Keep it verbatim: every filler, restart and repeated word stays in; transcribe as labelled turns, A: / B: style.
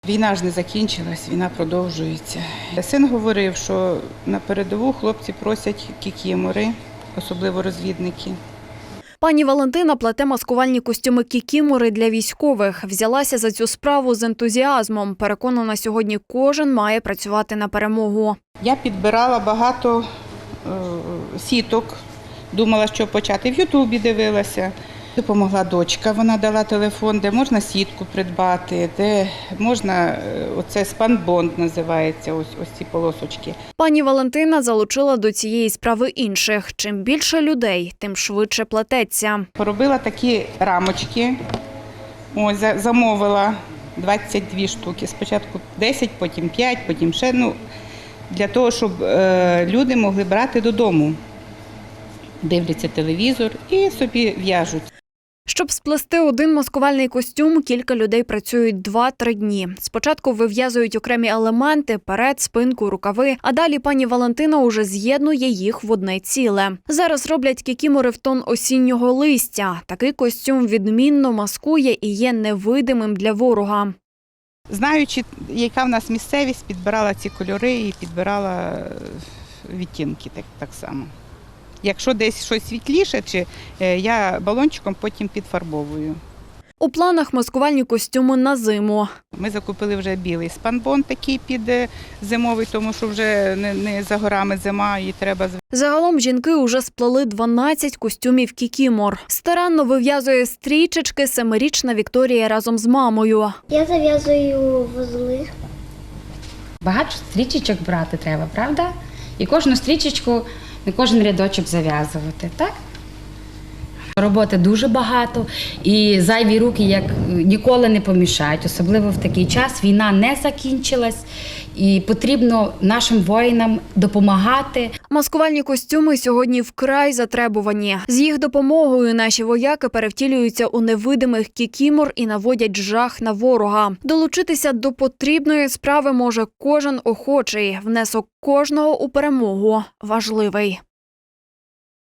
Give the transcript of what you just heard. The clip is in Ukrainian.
A: Війна ж не закінчилась, війна продовжується. Син говорив, що на передову хлопці просять кікімори, особливо розвідники.
B: Пані Валентина плете маскувальні костюми кікімори для військових. Взялася за цю справу з ентузіазмом. Переконана, сьогодні кожен має працювати на перемогу.
A: Я підбирала багато е, сіток, думала, що почати. В Ютубі дивилася. Допомогла дочка, вона дала телефон, де можна сітку придбати, де можна, оце спанбонд називається, ось, ось ці полосочки.
B: Пані Валентина залучила до цієї справи інших. Чим більше людей, тим швидше плететься.
A: Поробила такі рамочки, ось, замовила двадцять дві штуки, спочатку десять, потім п'ять, потім ще, ну, для того, щоб е, люди могли брати додому. Дивляться телевізор і собі в'яжуть.
B: Щоб сплести один маскувальний костюм, кілька людей працюють два-три дні. Спочатку вив'язують окремі елементи – перед, спинку, рукави, а далі пані Валентина уже з'єднує їх в одне ціле. Зараз роблять кікімори в тон осіннього листя. Такий костюм відмінно маскує і є невидимим для ворога.
A: Знаючи, яка в нас місцевість, підбирала ці кольори і підбирала відтінки так, так само. Якщо десь щось світліше, чи я балончиком потім підфарбовую.
B: У планах маскувальні костюми на зиму.
A: Ми закупили вже білий спанбонд такий під зимовий, тому що вже не, не за горами зима і треба.
B: Загалом жінки уже сплели дванадцять костюмів кікімор. Старанно вив'язує стрічечки семирічна Вікторія разом з мамою.
C: Я зав'язую вузли.
D: Багато стрічечок брати треба, правда? І кожну стрічечку, не кожен рядочок зав'язувати, так? Роботи дуже багато і зайві руки як ніколи не помішають, особливо в такий час. Війна не закінчилась і потрібно нашим воїнам допомагати.
B: Маскувальні костюми сьогодні вкрай затребувані. З їх допомогою наші вояки перевтілюються у невидимих кікімор і наводять жах на ворога. Долучитися до потрібної справи може кожен охочий. Внесок кожного у перемогу важливий.